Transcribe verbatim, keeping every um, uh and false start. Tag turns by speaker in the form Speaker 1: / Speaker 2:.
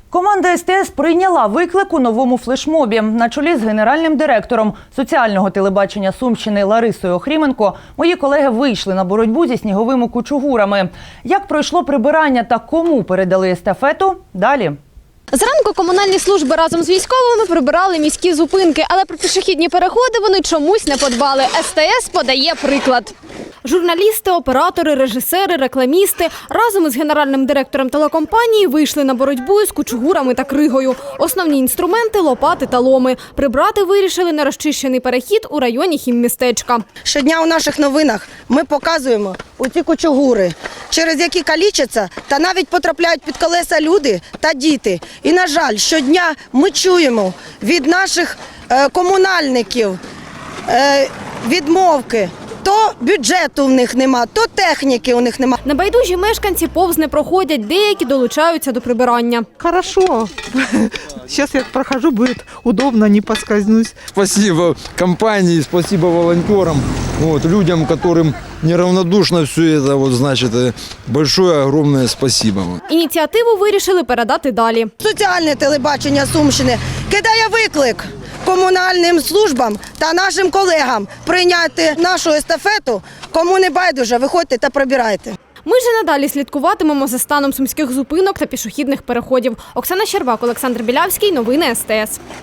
Speaker 1: Команда ес те ес прийняла виклик у новому флешмобі. На чолі з генеральним директором соціального телебачення Сумщини Ларисою Охріменко мої колеги вийшли на боротьбу зі сніговими кучугурами. Як пройшло прибирання та кому передали естафету – далі.
Speaker 2: Зранку комунальні служби разом з військовими прибирали міські зупинки, але про пішохідні переходи вони чомусь не подбали. ес те ес подає приклад. Журналісти, оператори, режисери, рекламісти разом із генеральним директором телекомпанії вийшли на боротьбу з кучугурами та кригою. Основні інструменти – лопати та ломи. Прибрати вирішили на розчищений перехід у районі хіммістечка.
Speaker 3: Щодня у наших новинах ми показуємо оці кучугури, через які калічаться та навіть потрапляють під колеса люди та діти. І, на жаль, щодня ми чуємо від наших е, комунальників е, відмовки. То бюджету в них нема, то техніки у них нема.
Speaker 2: Небайдужі мешканці повз не проходять, деякі долучаються до прибирання.
Speaker 4: Хорошо. Сейчас я прохожу, будет удобно, не поскользнусь.
Speaker 5: Спасибо компании, спасибо волонтерам, вот, людям, которым неравнодушно все это, вот, значит, большое, огромное спасибо.
Speaker 2: Ініціативу вирішили передати далі.
Speaker 3: Соціальне телебачення Сумщини кидає виклик комунальним службам та нашим колегам прийняти нашу естафету. Кому не байдуже, виходьте та прибирайте.
Speaker 2: Ми ж надалі слідкуватимемо за станом сумських зупинок та пішохідних переходів. Оксана Щербак, Олександр Білявський. Новини ес те ес.